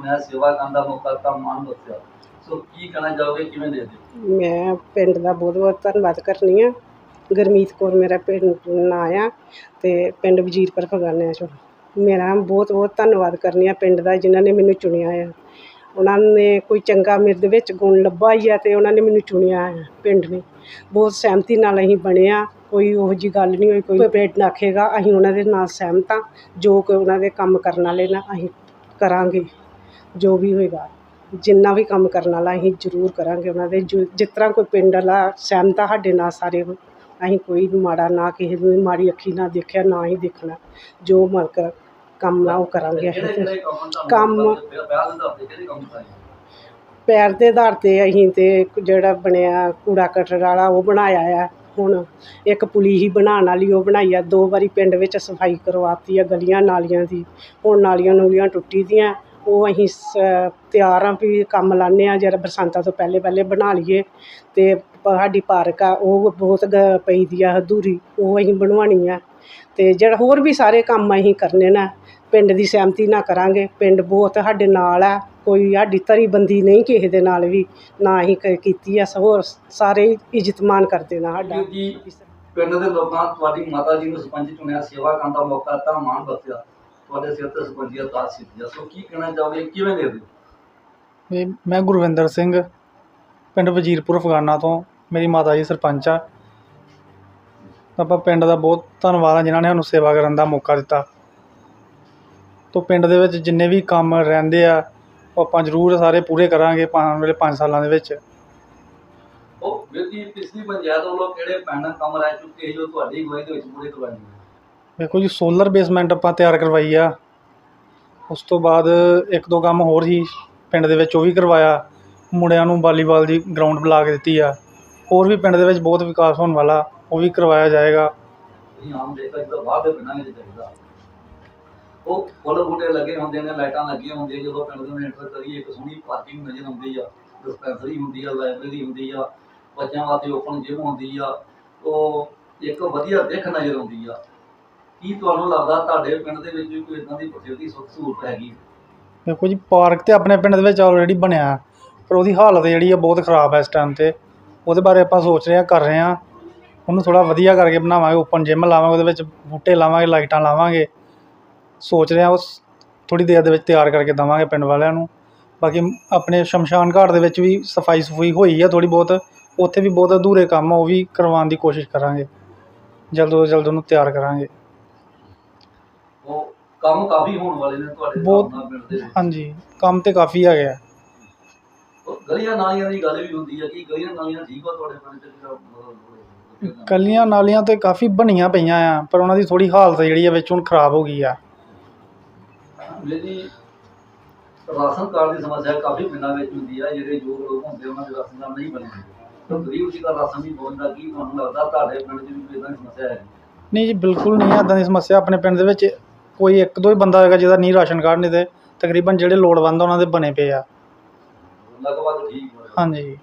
ਚੁਣਿਆ, ਸੇਵਾ ਕਰਨ ਦਾ ਮੌਕਾ ਦਿੱਤਾ, ਮਾਣ ਬਖਸ਼ਿਆ, ਸੋ ਕੀ ਕਹਿਣਾ ਚਾਹੋਗੇ, ਕਿਵੇਂ ਦੇ ਦਿਓ? ਮੈਂ ਪਿੰਡ ਦਾ ਬਹੁਤ ਬਹੁਤ ਧੰਨਵਾਦ ਕਰਨੀ ਆ। ਗੁਰਮੀਤ ਕੌਰ ਮੇਰਾ ਪਿੰਡ ਨਾਂ ਆ ਅਤੇ ਪਿੰਡ ਵਜ਼ੀਰਪੁਰ ਫਗਵਾਨਿਆਂ 'ਚੋਂ। ਮੇਰਾ ਬਹੁਤ ਬਹੁਤ ਧੰਨਵਾਦ ਕਰਨੀ ਆ ਪਿੰਡ ਦਾ, ਜਿਨ੍ਹਾਂ ਨੇ ਮੈਨੂੰ ਚੁਣਿਆ ਆ। ਉਹਨਾਂ ਨੇ ਕੋਈ ਚੰਗਾ ਮੇਰੇ ਦੇ ਵਿੱਚ ਗੁਣ ਲੱਭਾ ਹੀ ਆ ਅਤੇ ਉਹਨਾਂ ਨੇ ਮੈਨੂੰ ਚੁਣਿਆ ਆ। ਪਿੰਡ ਨੇ ਬਹੁਤ ਸਹਿਮਤੀ ਨਾਲ ਅਸੀਂ ਬਣੇ ਹਾਂ, ਕੋਈ ਉਹੋ ਜਿਹੀ ਗੱਲ ਨਹੀਂ ਹੋਈ। ਕੋਈ ਪਿੰਡ ਆਖੇਗਾ ਅਸੀਂ ਉਹਨਾਂ ਦੇ ਨਾਲ ਸਹਿਮਤ ਹਾਂ। ਜੋ ਕਿ ਉਹਨਾਂ ਦੇ ਕੰਮ ਕਰਨ ਵਾਲੇ ਨਾ ਅਸੀਂ ਕਰਾਂਗੇ, ਜੋ ਵੀ ਹੋਏਗਾ, ਜਿੰਨਾ ਵੀ ਕੰਮ ਕਰਨ ਵਾਲਾ ਅਸੀਂ ਜ਼ਰੂਰ ਕਰਾਂਗੇ ਉਹਨਾਂ ਦੇ। ਜਿਸ ਤਰ੍ਹਾਂ ਕੋਈ ਪਿੰਡ ਵਾਲਾ ਸਹਿਮਤ ਆ ਸਾਡੇ ਨਾਲ ਸਾਰੇ, ਅਸੀਂ ਕੋਈ ਮਾੜਾ ਨਾ ਕਿਸੇ ਨੂੰ ਮਾੜੀ ਅੱਖੀ ਨਾਲ ਦੇਖਿਆ, ਨਾ ਹੀ ਦੇਖਣਾ। ਜੋ ਮਾਲਕ ਕੰਮ ਆ ਉਹ ਕਰਾਂਗੇ ਅਸੀਂ। ਕੰਮ ਪੈਰ ਦੇ ਆਧਾਰ 'ਤੇ ਅਸੀਂ ਤਾਂ ਜਿਹੜਾ ਬਣਿਆ ਕੂੜਾ ਕਟਰ ਵਾਲਾ ਉਹ ਬਣਾਇਆ ਆ। ਹੁਣ ਇੱਕ ਪੁਲੀ ਹੀ ਬਣਾਉਣ ਵਾਲੀ ਉਹ ਬਣਾਈ ਆ। 2 ਵਾਰੀ ਪਿੰਡ ਵਿੱਚ ਸਫਾਈ ਕਰਵਾਤੀ ਆ ਗਲੀਆਂ ਨਾਲੀਆਂ ਦੀ। ਹੁਣ ਨਾਲੀਆਂ ਨੂਲੀਆਂ ਟੁੱਟੀ ਦੀਆਂ, ਉਹ ਅਸੀਂ ਤਿਆਰ ਹਾਂ ਵੀ ਕੰਮ ਲਾਉਂਦੇ ਹਾਂ। ਜਰਾ ਬਰਸਾਤਾਂ ਤੋਂ ਪਹਿਲੇ ਪਹਿਲੇ ਬਣਾ ਲਈਏ। ਅਤੇ ਸਾਡੀ ਪਾਰਕ ਆ ਉਹ ਬਹੁਤ ਪਈ ਦੀ ਆ ਅਧੂਰੀ, ਉਹ ਅਸੀਂ ਬਣਵਾਉਣੀ ਆ। ਅਤੇ ਜਿਹੜਾ ਹੋਰ ਵੀ ਸਾਰੇ ਕੰਮ ਅਸੀਂ ਕਰਨੇ ਨਾ ਪਿੰਡ ਦੀ ਸਹਿਮਤੀ ਨਾਲ ਕਰਾਂਗੇ। ਪਿੰਡ ਬਹੁਤ ਸਾਡੇ ਨਾਲ ਆ, ਕੋਈ ਸਾਡੀ ਧੜੀਬੰਦੀ ਨਹੀਂ ਕਿਸੇ ਦੇ ਨਾਲ ਵੀ, ਨਾ ਅਸੀਂ ਕੀਤੀ ਆ। ਹੋਰ ਸਾਰੇ ਇੱਜ਼ਤ ਮਾਣ ਕਰਦੇ ਨਾ ਸਾਡਾ। ਪਿੰਡ ਦੇ ਲੋਕਾਂ ਤੁਹਾਡੀ ਮਾਤਾ ਜੀ ਨੂੰ ਸਰਪੰਚ ਚੁਣਿਆ, ਸੇਵਾ ਕਰਨ ਦਾ ਮੌਕਾ ਦਿੱਤਾ, ਮਾਣ ਬਖਸ਼ਿਆ, ਤੁਹਾਡੇ ਸਿਰ ਤੇ ਸਰਪੰਚੀ ਦਾ ਤਾਜ ਸਿੱਧਿਆ, ਸੋ ਕੀ ਕਹਿਣਾ ਚਾਹੋਗੇ, ਕਿਵੇਂ ਦੇ ਦਿਓ? ਮੈਂ ਗੁਰਵਿੰਦਰ ਸਿੰਘ, ਪਿੰਡ ਵਜ਼ੀਰਪੁਰ ਫਗਵਾਨਾ ਤੋਂ। ਮੇਰੀ ਮਾਤਾ ਜੀ ਸਰਪੰਚ ਆ। ਆਪਾਂ ਪਿੰਡ ਦਾ ਬਹੁਤ ਧੰਨਵਾਦ ਆ ਜਿਨ੍ਹਾਂ ਨੇ ਸਾਨੂੰ ਸੇਵਾ ਕਰਨ ਦਾ ਮੌਕਾ ਦਿੱਤਾ। ਤੋਂ ਪਿੰਡ ਦੇ ਵਿੱਚ ਜਿੰਨੇ ਵੀ ਕੰਮ ਰਹਿੰਦੇ ਆ ਉਹ ਆਪਾਂ ਜ਼ਰੂਰ ਸਾਰੇ ਪੂਰੇ ਕਰਾਂਗੇ ਆਉਣ ਵਾਲੇ 5 ਸਾਲਾਂ ਦੇ ਵਿੱਚ। ਉਹ ਵੀਰ ਜੀ, ਪਿਛਲੀ ਪੰਚਾਇਤ ਵੱਲੋਂ ਕਿਹੜੇ ਪੈਂਡਿੰਗ ਕੰਮ ਰਹਿ ਚੁੱਕੇ ਜੋ ਤੁਹਾਡੀ ਅਗਵਾਈ ਦੇ ਵਿੱਚ ਪੂਰੇ ਕਰਵਾਏ? ਦੇਖੋ ਜੀ, ਸੋਲਰ ਬੇਸਮੈਂਟ ਆਪਾਂ ਤਿਆਰ ਕਰਵਾਈ ਆ। ਉਸ ਤੋਂ ਬਾਅਦ 1-2 ਕੰਮ ਹੋਰ ਹੀ ਪਿੰਡ ਦੇ ਵਿੱਚ ਉਹ ਵੀ ਕਰਵਾਇਆ। ਮੁੰਡਿਆਂ ਨੂੰ ਵਾਲੀਬਾਲ ਦੀ ਗਰਾਊਂਡ ਬਣਾ ਕੇ ਦਿੱਤੀ ਆ। ਹੋਰ ਵੀ ਪਿੰਡ ਦੇ ਵਿੱਚ ਬਹੁਤ ਵਿਕਾਸ ਹੋਣ ਵਾਲਾ, ਉਹ ਵੀ ਕਰਵਾਇਆ ਜਾਏਗਾ। ਤੁਸੀਂ ਆਮ ਦੇਖਿਆ ਜਦੋਂ ਬਾਹਰ ਦੇ ਪਿੰਡਾਂ ਵਿੱਚ ਦੇਖਦਾ ਉਹ ਫੁੱਲ ਬੂਟੇ ਲੱਗੇ ਹੁੰਦੇ ਨੇ, ਲਾਈਟਾਂ ਲੱਗੀਆਂ ਹੁੰਦੀਆਂ। ਜਦੋਂ ਪਿੰਡ ਦੇ ਨੂੰ ਐਂਟਰ ਕਰੀਏ ਇੱਕ ਸੋਹਣੀ ਪਾਰਕਿੰਗ ਨਜ਼ਰ ਆਉਂਦੀ ਆ, ਡਿਸਪੈਂਸਰੀ ਹੁੰਦੀ ਆ, ਲਾਇਬ੍ਰੇਰੀ ਹੁੰਦੀ ਆ, ਬੱਚਿਆਂ ਵਾਸਤੇ ਓਪਨ ਜਿਮ ਹੁੰਦੀ ਆ, ਉਹ ਇੱਕ ਵਧੀਆ ਦਿੱਖ ਨਜ਼ਰ ਆਉਂਦੀ ਆ। ਕੀ ਤੁਹਾਨੂੰ ਲੱਗਦਾ ਤੁਹਾਡੇ ਪਿੰਡ ਦੇ ਵਿੱਚ ਵੀ ਕੋਈ ਇੱਦਾਂ ਦੀ ਫੈਸਿਲਿਟੀ ਸੁੱਖ ਸਹੂਲਤ ਹੈਗੀ? ਦੇਖੋ ਜੀ, ਪਾਰਕ ਤਾਂ ਆਪਣੇ ਪਿੰਡ ਦੇ ਵਿੱਚ ਆਲਰੇਡੀ ਬਣਿਆ, ਪਰ ਉਹਦੀ ਹਾਲਤ ਜਿਹੜੀ ਆ ਬਹੁਤ ਖ਼ਰਾਬ ਹੈ ਇਸ ਟਾਈਮ 'ਤੇ। ਉਹਦੇ ਬਾਰੇ ਆਪਾਂ ਸੋਚ ਰਹੇ ਹਾਂ, ਕਰ ਰਹੇ ਹਾਂ। ਉਹਨੂੰ ਥੋੜ੍ਹਾ ਵਧੀਆ ਕਰਕੇ ਬਣਾਵਾਂਗੇ, ਓਪਨ ਜਿਮ ਲਾਵਾਂਗੇ, ਉਹਦੇ ਵਿੱਚ ਬੂਟੇ ਲਾਵਾਂਗੇ, ਲਾਈਟਾਂ ਲਾਵਾਂਗੇ। ਸੋਚ ਰਹੇ ਹਾਂ ਉਸ ਥੋੜ੍ਹੀ ਦੇਰ ਦੇ ਵਿੱਚ ਤਿਆਰ ਕਰਕੇ ਦੇਵਾਂਗੇ ਪਿੰਡ ਵਾਲਿਆਂ ਨੂੰ। ਬਾਕੀ ਆਪਣੇ ਸ਼ਮਸ਼ਾਨ ਘਾਟ ਦੇ ਵਿੱਚ ਵੀ ਸਫਾਈ ਸਫੂਈ ਹੋਈ ਆ ਥੋੜ੍ਹੀ ਬਹੁਤ, ਉੱਥੇ ਵੀ ਬਹੁਤ ਅਧੂਰੇ ਕੰਮ ਆ, ਉਹ ਵੀ ਕਰਵਾਉਣ ਦੀ ਕੋਸ਼ਿਸ਼ ਕਰਾਂਗੇ। ਜਲਦ ਤੋਂ ਜਲਦ ਉਹਨੂੰ ਤਿਆਰ ਕਰਾਂਗੇ। ਉਹ ਕੰਮ ਕਾਫੀ ਹੋਣ ਵਾਲੇ ਨੇ ਤੁਹਾਡੇ ਬਹੁਤ, ਪਿੰਡ ਦੇ ਵਿੱਚ? ਹਾਂਜੀ, ਕੰਮ ਤਾਂ ਕਾਫੀ ਹੈਗੇ ਆ। ਗਲੀਆਂ ਨਾਲੀਆਂ ਦੀ ਗੱਲ ਵੀ ਹੁੰਦੀ ਆ, ਕੀ ਗਲੀਆਂ ਨਾਲੀਆਂ ਠੀਕ ਆ ਤੁਹਾਡੇ ਪਿੰਡ 'ਚ? ਗਲੀਆਂ ਨਾਲੀਆਂ ਤਾਂ ਕਾਫੀ ਬਣੀਆਂ ਪਈਆਂ ਆ, ਪਰ ਉਹਨਾਂ ਦੀ ਥੋੜ੍ਹੀ ਹਾਲਤ ਜਿਹੜੀ ਆ ਵਿੱਚ ਹੁਣ ਖ਼ਰਾਬ ਹੋ ਗਈ ਆ। ਜਿਹੜੀ ਰਾਸ਼ਨ ਕਾਰਡ ਦੀ ਸਮੱਸਿਆ ਕਾਫੀ ਪਿੰਡਾਂ ਵਿੱਚ ਹੁੰਦੀ ਆ, ਜਿਹੜੇ ਯੋਗ ਲੋਕ ਹੁੰਦੇ ਉਹਨਾਂ ਦੇ ਰਾਸ਼ਨ ਕਾਰਡ ਨਹੀਂ ਬਣਦੇ, ਤਾਂ ਗਰੀਬ ਜੀ ਦਾ ਰਾਸ਼ਨ ਨਹੀਂ ਪਹੁੰਚਦਾ। ਕੀ ਤੁਹਾਨੂੰ ਲੱਗਦਾ ਤੁਹਾਡੇ ਪਿੰਡ 'ਚ ਵੀ ਕੋਈ ਇੱਦਾਂ ਦੀ ਸਮੱਸਿਆ ਹੈ? ਨਹੀਂ ਜੀ, ਬਿਲਕੁਲ ਨਹੀਂ ਇੱਦਾਂ ਦੀ ਸਮੱਸਿਆ। ਆਪਣੇ ਪਿੰਡ ਦੇ ਵਿੱਚ ਕੋਈ 1-2 ਹੀ ਬੰਦਾ ਹੋਏਗਾ ਜਿਹਦਾ ਨਹੀਂ ਰਾਸ਼ਨ ਕਾਰਡ, ਨਹੀਂ ਤੇ ਤਕਰੀਬਨ ਜਿਹੜੇ ਲੋੜਵੰਦ ਉਹਨਾਂ ਦੇ ਬਣੇ ਪਏ ਆ। ਲਗਭਗ ਠੀਕ ਹੋ? ਹਾਂਜੀ।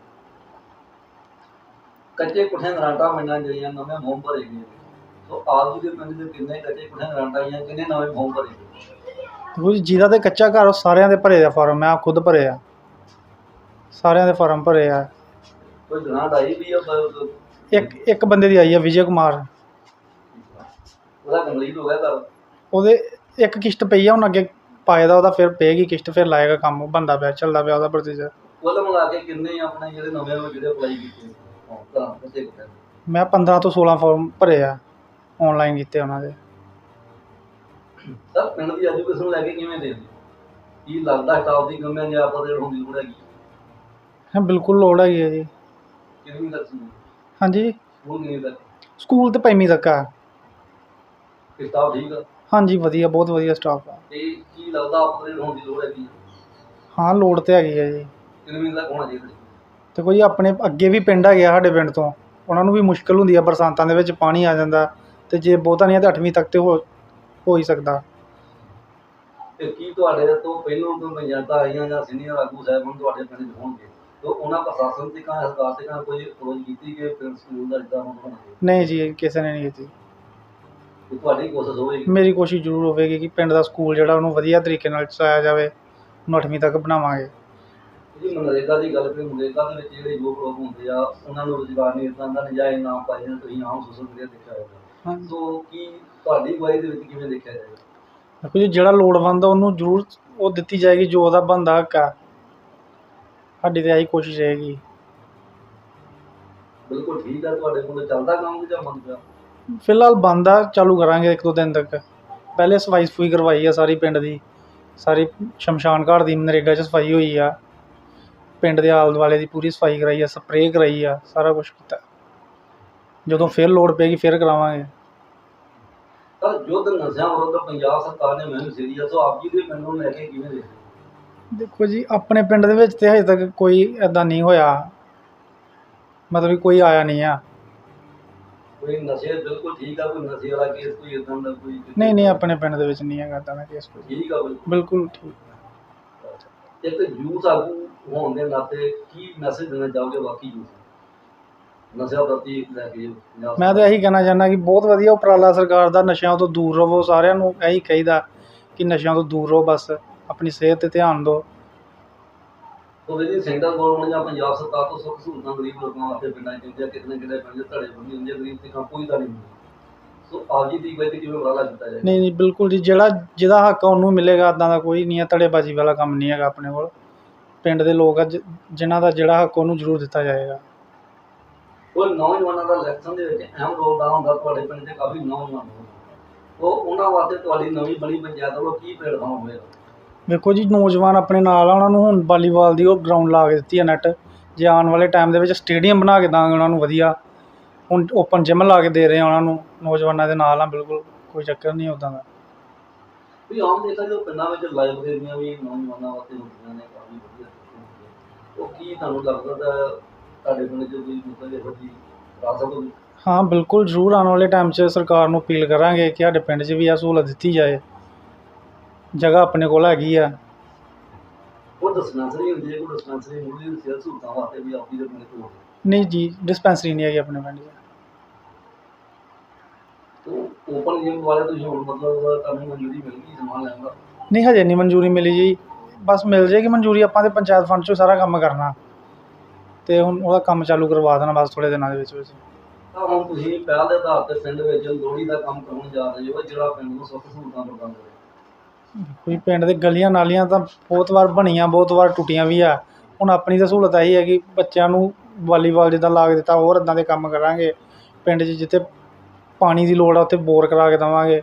ਕੱਚੇ ਕੁੱਠਿਆਂ ਗਰਾਂਟਾਂ ਮਿਲਣਾ ਜਿਹੜੀਆਂ ਨਵੇਂ ਫੋਰਮ ਭਰੇ ਗਏ, ਸੋ ਆਪ ਜੀ ਦੇ ਪਿੰਡ ਦੇ ਕਿੰਨੇ ਕੱਚੇ ਕੁੱਠਿਆਂ ਗਰਾਂਟਾਂ ਆਈਆਂ, ਕਿੰਨੇ ਨਵੇਂ ਫੋਰਮ ਭਰੇ ਗਏ? ਦੇਖੋ ਜੀ, ਜਿਹਦਾ ਤਾਂ ਕੱਚਾ ਘਰ ਉਹ ਸਾਰਿਆਂ ਦੇ ਭਰੇ ਆ ਫਾਰਮ। ਮੈਂ ਖੁਦ ਭਰੇ ਆ, ਸਾਰਿਆਂ ਦੇ ਫਾਰਮ ਭਰੇ ਆ। ਕੋਈ ਗਰਾਂਟ ਆਈ ਵੀ ਆ? ਇੱਕ ਬੰਦੇ ਦੀ ਆਈ ਆ, ਵਿਜੇ ਕੁਮਾਰ। ਉਹਦਾ ਕੰਪਲੀਟ ਹੋ ਗਿਆ ਘਰ? ਉਹਦੇ ਇੱਕ ਕਿਸ਼ਤ ਪਈ ਆ, ਹੁਣ ਅੱਗੇ ਪਾਏ ਦਾ ਉਹਦਾ ਫਿਰ ਪਏਗੀ ਕਿਸ਼ਤ, ਫਿਰ ਲਾਏਗਾ ਕੰਮ। ਉਹ ਬਣਦਾ ਪਿਆ, ਚੱਲਦਾ ਪਿਆ ਉਹਦਾ ਪ੍ਰੋਸੀਜਰ। ਕੁੱਲ ਮਿਲਾ ਕੇ ਕਿੰਨੇ ਆਪਣੇ ਜਿਹੜੇ ਨਵੇਂ ਜਿਹੜੇ ਅਪਲਾਈ ਕੀਤੇ ਕੱਚੇ ਕੁੱਠਿਆਂ? ਮੈਂ 15 ਤੋਂ 16 ਫਾਰਮ ਭਰੇ ਆ, ਔਨਲਾਈਨ ਕੀਤੇ ਉਹਨਾਂ ਦੇ। ਸਰ, ਪਿੰਡ ਦੀ ਐਜੂਕੇਸ਼ਨ ਲੈ ਕੇ ਕਿਵੇਂ ਦੇ ਦਿਓ? ਕੀ ਲੱਗਦਾ ਸਟਾਫ ਦੀ ਕਮੀ ਜਾਂ ਆਪਾਂ ਦੇ ਹੋਣ ਦੀ ਲੋੜ ਹੈਗੀ? ਹਾਂ, ਬਿਲਕੁਲ ਲੋੜ ਹੈਗੀ ਹੈ ਜੀ। ਕਿੰਨੀ ਤੱਕ ਸੀ? ਹਾਂਜੀ, ਸਕੂਲ ਕਿੰਨੀ ਤੱਕ? ਸਕੂਲ ਤਾਂ 5ਵੀਂ ਤੱਕ ਆ। ਸਟਾਫ ਠੀਕ ਆ? ਹਾਂਜੀ, ਵਧੀਆ, ਬਹੁਤ ਵਧੀਆ ਸਟਾਫ ਆ। ਤੇ ਕੀ ਲੱਗਦਾ ਅਪਗ੍ਰੇਡ ਹੋਣ ਦੀ ਲੋੜ ਹੈਗੀ? ਹਾਂ, ਲੋੜ ਤਾਂ ਹੈਗੀ ਹੈ ਜੀ। ਕਿੰਨੀ ਤੱਕ ਹੋਣਾ ਚਾਹੀਦਾ? ਤੇ ਕੋਈ ਆਪਣੇ ਅੱਗੇ ਵੀ ਪਿੰਡ ਹੈਗੇ ਆ ਸਾਡੇ ਪਿੰਡ ਤੋਂ, ਉਹਨਾਂ ਨੂੰ ਵੀ ਮੁਸ਼ਕਿਲ ਹੁੰਦੀ ਆ, ਬਰਸਾਤਾਂ ਦੇ ਵਿੱਚ ਪਾਣੀ ਆ ਜਾਂਦਾ, ਅਤੇ ਜੇ ਬਹੁਤਾ ਨਹੀਂ ਤਾਂ 8ਵੀਂ ਤੱਕ ਤੇ ਹੋ ਹੀ ਸਕਦਾ। ਤੇ ਕੀ ਤੁਹਾਡੇ ਤੋਂ ਪਹਿਲੋਂ ਕੋਈ ਪੰਚਾਇਤਾਂ ਆਈਆਂ ਜਾਂ ਸੀਨੀਅਰ ਆਗੂ ਸਾਹਿਬਾਨ ਤੁਹਾਡੇ ਪਿੰਡ 'ਚ ਹੋਣਗੇ, ਤਾਂ ਉਹਨਾਂ ਪ੍ਰਸ਼ਾਸਨ ਤੇ ਸਰਕਾਰ ਤੇ ਕੋਈ ਖੋਜ ਕੀਤੀ ਕਿ ਪਿੰਡ ਸਕੂਲ ਦਾ ਜਿੱਦਾਂ ਹੁਣ ਹੋਣਾ? ਨਹੀਂ ਜੀ, ਕਿਸੇ ਨੇ ਨਹੀਂ ਕੀਤੀ। ਤੁਹਾਡੀ ਕੋਸ਼ਿਸ਼ ਹੋਵੇਗੀ? ਮੇਰੀ ਕੋਸ਼ਿਸ਼ ਜ਼ਰੂਰ ਹੋਵੇਗੀ ਕਿ ਪਿੰਡ ਦਾ ਸਕੂਲ ਜਿਹੜਾ ਉਹਨੂੰ ਵਧੀਆ ਤਰੀਕੇ ਨਾਲ ਚਲਾਇਆ ਜਾਵੇ, ਉਹਨੂੰ 8ਵੀਂ ਤੱਕ ਬਣਾਵਾਂਗੇ। ਜੀ ਮਨਰੇਗਾ ਦੀ ਗੱਲ ਕਰੀਏ, ਮਨਰੇਗਾ ਦੇ ਵਿੱਚ ਜਿਹੜੇ ਯੁਵਕ ਲੋਕ ਹੁੰਦੇ ਆ ਉਹਨਾਂ ਨੂੰ ਰੁਜ਼ਗਾਰ ਨਹੀਂ ਮਿਲਦਾ, ਦਾ ਨਜਾਇਜ਼ ਨਾਮ ਪਾਈ ਜਾਂਦੇ, ਤੁਸੀਂ ਆਮ ਸੋਸ਼ਲ ਮੀਡੀਆ ਦੇਖਿਆ ਹੋਵੇਗਾ। ਹਾਂਜੀ। ਸੋ ਕੀ ਤੁਹਾਡੀ ਅਗਵਾਈ ਦੇ ਵਿੱਚ ਕਿਵੇਂ ਦੇਖਿਆ ਜਾਏਗਾ? ਦੇਖੋ ਜੀ, ਜਿਹੜਾ ਲੋੜਵੰਦ ਆ ਉਹਨੂੰ ਜ਼ਰੂਰ ਉਹ ਦਿੱਤੀ ਜਾਏਗੀ ਜੋ ਉਹਦਾ ਬਣਦਾ ਹੱਕ ਆ। ਸਾਡੀ ਤਾਂ ਇਹੀ ਕੋਸ਼ਿਸ਼ ਰਹੇਗੀ। ਬਿਲਕੁਲ ਠੀਕ ਹੈ। ਤੁਹਾਡੇ ਕੋਲ ਚੱਲਦਾ ਕੰਮ ਜਾਂ ਬੰਦ ਪਿਆ? ਫਿਲਹਾਲ ਬੰਦ ਆ, ਚਾਲੂ ਕਰਾਂਗੇ 1-2 ਦਿਨ ਤੱਕ। ਪਹਿਲੇ ਸਫਾਈ ਸਫੂਈ ਕਰਵਾਈ ਆ ਸਾਰੀ ਪਿੰਡ ਦੀ, ਸਾਰੀ ਸ਼ਮਸ਼ਾਨ ਘਾਟ ਦੀ ਨਰੇਗਾ 'ਚ ਸਫਾਈ ਹੋਈ ਆ, ਪਿੰਡ ਦੇ ਆਲੇ ਦੁਆਲੇ ਦੀ ਪੂਰੀ ਸਫਾਈ ਕਰਾਈ ਆ, ਸਪਰੇਅ ਕਰਾਈ ਆ, ਸਾਰਾ ਕੁਛ ਕੀਤਾ। ਜਦੋਂ ਫਿਰ ਲੋੜ ਪਏਗੀ ਫਿਰ ਕਰਾਵਾਂਗੇ। ਪਰ ਯੁੱਧ ਨਸ਼ਿਆਂ ਵਿਰੁੱਧ ਪੰਜਾਬ ਸਰਕਾਰ ਨੇ ਮੁਹਿੰਮ ਛੇੜੀ ਆ, ਸੋ ਆਪ ਜੀ ਦੇ ਪਿੰਡ ਨੂੰ ਲੈ ਕੇ ਕਿਵੇਂ ਦੇਖਦੇ ਹੋ? ਦੇਖੋ ਜੀ, ਆਪਣੇ ਪਿੰਡ ਦੇ ਵਿੱਚ ਤਾਂ ਹਜੇ ਤੱਕ ਕੋਈ ਇੱਦਾਂ ਨਹੀਂ ਹੋਇਆ, ਮਤਲਬ ਕਿ ਕੋਈ ਆਇਆ ਨਹੀਂ ਆ। ਕੋਈ ਨਸ਼ੇ ਬਿਲਕੁਲ ਠੀਕ ਆ, ਕੋਈ ਨਸ਼ੇ ਵਾਲਾ ਕੇਸ ਕੋਈ ਇਦਾਂ ਦਾ ਕੋਈ? ਨਹੀਂ, ਆਪਣੇ ਪਿੰਡ ਦੇ ਵਿੱਚ ਨਹੀਂ ਹੈਗਾ ਇੱਦਾਂ ਦਾ ਕੇਸ ਕੋਈ। ਠੀਕ ਆ ਬਿਲਕੁਲ। ਬਿਲਕੁਲ ਠੀਕ। ਇੱਕ ਯੂਥ ਆਗੂ ਹੋਣ ਦੇ ਨਾਤੇ ਕੀ ਮੈਸੇਜ ਦੇਣਾ ਚਾਹੋਗੇ ਬਾਕੀ ਯੂਥ ਨੂੰ ਨਸ਼ਿਆਂ ਪ੍ਰਤੀ ਲੈ ਕੇ ਪੰਜਾਬ ਮੈਂ ਤਾਂ ਇਹੀ ਕਹਿਣਾ ਚਾਹੁੰਦਾ ਕਿ ਬਹੁਤ ਵਧੀਆ ਉਪਰਾਲਾ ਸਰਕਾਰ ਦਾ, ਨਸ਼ਿਆਂ ਤੋਂ ਦੂਰ ਰਹੋ। ਸਾਰਿਆਂ ਨੂੰ ਇਹੀ ਕਹੀਦਾ ਕਿ ਨਸ਼ਿਆਂ ਤੋਂ ਦੂਰ ਰਹੋ, ਬਸ ਆਪਣੀ ਸਿਹਤ 'ਤੇ ਧਿਆਨ ਦਿਓ। ਸੋ ਜੀ ਸੈਂਟਰ ਗੌਰਮੈਂਟ ਜਾਂ ਪੰਜਾਬ ਸਰਕਾਰ ਤੋਂ ਸੁੱਖ ਸਹੂਲਤਾਂ ਗਰੀਬ ਲੋਕਾਂ ਵਾਸਤੇ ਪਿੰਡਾਂ 'ਚ ਦਿੰਦੇ ਆ, ਕਿਤੇ ਨਾ ਕਿਤੇ ਪਿੰਡ 'ਚ ਧੜੇ ਬੰਦੀ ਹੁੰਦੀ ਆ, ਗਰੀਬ ਤੇ ਕੰਮ ਕੋਈ ਤਾਂ ਨਹੀਂ ਹੁੰਦਾ। ਸੋ ਆਪ ਜੀ ਦੀ ਬੇਨਤੀ ਕਿਵੇਂ ਉਪਰਾਲਾ ਕੀਤਾ ਜਾਏ? ਨਹੀਂ, ਬਿਲਕੁਲ ਜੀ, ਜਿਹਦਾ ਹੱਕ ਆ ਉਹਨੂੰ ਮਿਲੇਗਾ। ਇੱਦਾਂ ਦਾ ਕੋਈ ਨਹੀਂ ਹੈ, ਧੜੇਬਾਜ਼ੀ ਵਾਲਾ ਕੰਮ ਨਹੀਂ ਹੈਗਾ ਆਪਣੇ ਕੋਲ। ਪਿੰਡ ਦੇ ਲੋਕ ਆ ਜਿਨ੍ਹਾਂ ਦਾ ਜਿਹੜਾ ਹੱਕ ਉਹਨੂੰ ਜ਼ਰੂਰ ਦਿੱਤਾ ਜਾਏਗਾ। ਉਹ ਨੌਜਵਾਨਾਂ ਦਾ ਇਲੈਕਸ਼ਨ ਦੇ ਵਿੱਚ ਅਹਿਮ ਰੋਲ ਅਦਾ ਹੁੰਦਾ। ਤੁਹਾਡੇ ਪਿੰਡ 'ਚ ਕਾਫੀ ਨੌਜਵਾਨ ਹੋਣ, ਉਹਨਾਂ ਵਾਸਤੇ ਤੁਹਾਡੀ ਨਵੀਂ ਬਣੀ ਪੰਚਾਇਤ ਵੱਲੋਂ ਕੀ ਪਲੇਟਫਾਰਮ ਹੋਵੇਗਾ? ਵੇਖੋ ਜੀ, ਨੌਜਵਾਨ ਆਪਣੇ ਨਾਲ ਆ, ਉਹਨਾਂ ਨੂੰ ਹੁਣ ਵਾਲੀਬਾਲ ਦੀ ਉਹ ਗਰਾਊਂਡ ਲਾ ਕੇ ਦਿੱਤੀ ਹੈ ਨੈੱਟ। ਜੇ ਆਉਣ ਵਾਲੇ ਟਾਈਮ ਦੇ ਵਿੱਚ ਸਟੇਡੀਅਮ ਬਣਾ ਕੇ ਦਾਂਗੇ ਉਹਨਾਂ ਨੂੰ ਵਧੀਆ। ਹੁਣ ਓਪਨ ਜਿਮ ਲਾ ਕੇ ਦੇ ਰਹੇ ਆ ਉਹਨਾਂ ਨੂੰ, ਨੌਜਵਾਨਾਂ ਦੇ ਨਾਲ ਆ, ਬਿਲਕੁਲ ਕੋਈ ਚੱਕਰ ਨਹੀਂ ਉੱਦਾਂ ਦਾ। ਵੀ ਆਮ ਦੇਖਿਆ ਜੋ ਪਿੰਡਾਂ ਵਿੱਚ ਲਾਇਬ੍ਰੇਰੀਆਂ ਵੀ ਨੌਜਵਾਨਾਂ ਵਾਸਤੇ ਹੁੰਦੀਆਂ ਨੇ, ਕਾਫੀ ਵਧੀਆ ਉਹ ਕੀ ਤੁਹਾਨੂੰ ਲੱਗਦਾ ਤੁਹਾਡੇ ਪਿੰਡ 'ਚ ਕੋਈ ਮਤਲਬ ਇਹੋ ਜਿਹੀ ਕਰਾ ਸਕੋਗੇ? ਹਾਂ ਬਿਲਕੁਲ, ਜ਼ਰੂਰ ਆਉਣ ਵਾਲੇ ਟਾਈਮ 'ਚ ਸਰਕਾਰ ਨੂੰ ਅਪੀਲ ਕਰਾਂਗੇ ਕਿ ਸਾਡੇ ਪਿੰਡ 'ਚ ਵੀ ਇਹ ਸਹੂਲਤ ਦਿੱਤੀ ਜਾਏ। ਜਗ੍ਹਾ ਆਪਣੇ ਕੋਲ ਹੈਗੀ ਆ। ਉਹ ਡਿਸਪੈਂਸਰੀ ਹੁੰਦੀ ਹੈ, ਕੋਈ ਡਿਸਪੈਂਸਰੀ ਮੁੱਢਲੀ ਸਿਹਤ ਸਹੂਲਤਾਂ ਵਾਸਤੇ ਵੀ ਆਪੀ ਦੇ ਪਿੰਡ ਤੋਂ? ਨਹੀਂ ਜੀ, ਡਿਸਪੈਂਸਰੀ ਨਹੀਂ ਹੈਗੀ ਆਪਣੇ ਪਿੰਡ 'ਚ। ਓਪਨ ਜਿਮ ਵਾਲੇ ਤੁਸੀਂ ਹੁਣ ਮਤਲਬ ਤੁਹਾਨੂੰ ਮਨਜ਼ੂਰੀ ਮਿਲ ਗਈ ਸਮਾਨ ਲੈਣ ਦਾ? ਨਹੀਂ, ਹਜੇ ਨਹੀਂ ਮਨਜ਼ੂਰੀ ਮਿਲੀ ਜੀ, ਬਸ ਮਿਲ ਜਾਏਗੀ ਮਨਜ਼ੂਰੀ। ਆਪਾਂ ਤਾਂ ਪੰਚਾਇਤ ਫੰਡ 'ਚੋਂ ਸਾਰਾ ਕੰਮ ਕਰਨਾ, ਅਤੇ ਹੁਣ ਉਹਦਾ ਕੰਮ ਚਾਲੂ ਕਰਵਾ ਦੇਣਾ ਬਸ ਥੋੜ੍ਹੇ ਦਿਨਾਂ ਦੇ ਵਿੱਚ। ਤਾਂ ਹੁਣ ਤੁਸੀਂ ਪਹਿਲ ਦੇ ਆਧਾਰ 'ਤੇ ਪਿੰਡ ਵਿੱਚ ਲੋਹੜੀ ਦਾ ਕੰਮ ਕਰਨ ਜਾ ਰਹੇ ਹੋ, ਜਿਹੜਾ ਪਿੰਡ ਨੂੰ ਸੁੱਖ ਸਹੂਲਤਾਂ ਪ੍ਰਦਾਨ ਕਰੇ? ਕੋਈ ਪਿੰਡ ਦੇ ਗਲੀਆਂ ਨਾਲੀਆਂ ਤਾਂ ਬਹੁਤ ਵਾਰ ਬਣੀਆਂ, ਬਹੁਤ ਵਾਰ ਟੁੱਟੀਆਂ ਵੀ ਆ। ਹੁਣ ਆਪਣੀ ਤਾਂ ਸਹੂਲਤ ਇਹੀ ਹੈ ਕਿ ਬੱਚਿਆਂ ਨੂੰ ਵਾਲੀਬਾਲ ਜਿੱਦਾਂ ਲਾ ਕੇ ਦਿੱਤਾ, ਹੋਰ ਇੱਦਾਂ ਦੇ ਕੰਮ ਕਰਾਂਗੇ। ਪਿੰਡ 'ਚ ਜਿੱਥੇ ਪਾਣੀ ਦੀ ਲੋੜ ਆ ਉੱਥੇ ਬੋਰ ਕਰਾ ਕੇ ਦੇਵਾਂਗੇ।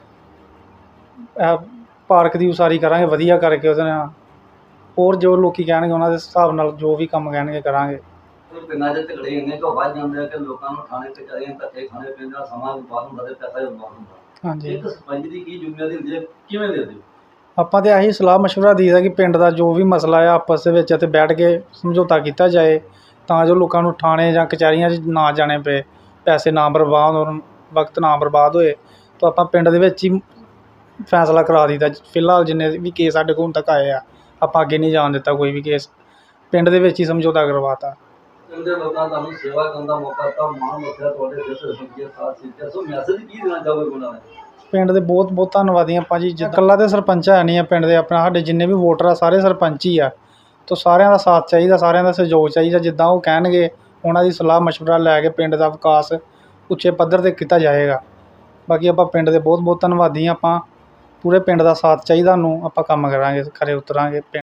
ਪਾਰਕ ਦੀ ਉਸਾਰੀ ਕਰਾਂਗੇ ਵਧੀਆ ਕਰਕੇ ਉਹਦੇ ਨਾਲ। ਹੋਰ ਜੋ ਲੋਕ ਕਹਿਣਗੇ ਉਹਨਾਂ ਦੇ ਹਿਸਾਬ ਨਾਲ ਜੋ ਵੀ ਕੰਮ ਕਹਿਣਗੇ ਕਰਾਂਗੇ। ਪਿੰਡਾਂ 'ਚ ਝਗੜੇ ਇੰਨੇ ਕੁ ਵੱਧ ਜਾਂਦੇ ਆ ਕਿ ਲੋਕਾਂ ਨੂੰ ਥਾਣੇ ਕਚਹਿਰੀਆਂ ਧੱਕੇ ਖਾਣੇ ਪੈਂਦੇ ਆ, ਸਮਾਂ ਬਰਬਾਦ ਹੁੰਦਾ ਅਤੇ ਪੈਸਾ ਵੀ ਬਰਬਾਦ ਹੁੰਦਾ। ਹਾਂਜੀ, ਇੱਕ ਸਰਪੰਚ ਦੀ ਕੀ ਜ਼ਿੰਮੇਵਾਰੀ ਹੁੰਦੀ ਹੈ, ਕਿਵੇਂ ਦੇ ਦਿਓ? ਆਪਾਂ ਤਾਂ ਇਹੀ ਸਲਾਹ ਮਸ਼ਵਰਾ ਦਈਦਾ ਕਿ ਪਿੰਡ ਦਾ ਜੋ ਵੀ ਮਸਲਾ ਆ ਆਪਸ ਦੇ ਵਿੱਚ ਅਤੇ ਬੈਠ ਕੇ ਸਮਝੌਤਾ ਕੀਤਾ ਜਾਏ, ਤਾਂ ਜੋ ਲੋਕਾਂ ਨੂੰ ਥਾਣੇ ਜਾਂ ਕਚਹਿਰੀਆਂ 'ਚ ਨਾ ਜਾਣੇ ਪਏ, ਪੈਸੇ ਨਾ ਬਰਬਾਦ ਹੋਣ, ਵਕਤ ਨਾ ਬਰਬਾਦ ਹੋਏ। ਤਾਂ ਆਪਾਂ ਪਿੰਡ ਦੇ ਵਿੱਚ ਹੀ ਫੈਸਲਾ ਕਰਾ ਦਿੱਤਾ। ਫਿਲਹਾਲ ਜਿੰਨੇ ਵੀ ਕੇਸ ਸਾਡੇ ਕੋਲ ਹੁਣ ਤੱਕ ਆਏ ਆ, ਆਪਾਂ ਅੱਗੇ ਨਹੀਂ ਜਾਣ ਦਿੱਤਾ ਕੋਈ ਵੀ ਕੇਸ, ਪਿੰਡ ਦੇ ਵਿੱਚ ਹੀ ਸਮਝੌਤਾ ਕਰਵਾਤਾ। ਪਿੰਡ ਦੇ ਲੋਕਾਂ ਤੁਹਾਨੂੰ ਸੇਵਾ ਕਰਨ ਦਾ ਮੌਕਾ ਦਿੱਤਾ, ਮਾਣ ਰੱਖਿਆ ਤੁਹਾਡੇ ਸਿਰ ਸਰਪੰਚੀਅਤ ਸਾਥ ਸਿੱਖਿਆ। ਸੋ ਮੈਸੇਜ ਕੀ ਦੇਣਾ ਚਾਹੋਗੇ ਉਹਨਾਂ ਨੂੰ? ਪਿੰਡ ਦੇ ਬਹੁਤ ਬਹੁਤ ਧੰਨਵਾਦੀ ਆਪਾਂ ਜੀ। ਇਕੱਲਾ ਤਾਂ ਸਰਪੰਚ ਹੈ ਨਹੀਂ ਆ ਪਿੰਡ ਦੇ, ਆਪਣਾ ਸਾਡੇ ਜਿੰਨੇ ਵੀ ਵੋਟਰ ਆ ਸਾਰੇ ਸਰਪੰਚ ਹੀ ਆ। ਤਾਂ ਸਾਰਿਆਂ ਦਾ ਸਾਥ ਚਾਹੀਦਾ, ਸਾਰਿਆਂ ਦਾ ਸਹਿਯੋਗ ਚਾਹੀਦਾ। ਜਿੱਦਾਂ ਉਹ ਕਹਿਣਗੇ ਉਹਨਾਂ ਦੀ ਸਲਾਹ ਮਸ਼ਵਰਾ ਲੈ ਕੇ ਪਿੰਡ ਦਾ ਵਿਕਾਸ ਉੱਚੇ ਪੱਧਰ 'ਤੇ ਕੀਤਾ ਜਾਏਗਾ। ਬਾਕੀ ਆਪਾਂ ਪਿੰਡ ਦੇ ਬਹੁਤ ਬਹੁਤ ਧੰਨਵਾਦੀ ਹਾਂ। ਆਪਾਂ ਪੂਰੇ ਪਿੰਡ ਦਾ ਸਾਥ ਚਾਹੀਦਾ, ਨੂੰ ਆਪਾਂ ਕੰਮ ਕਰਾਂਗੇ, ਖਰੇ ਉਤਰਾਂਗੇ।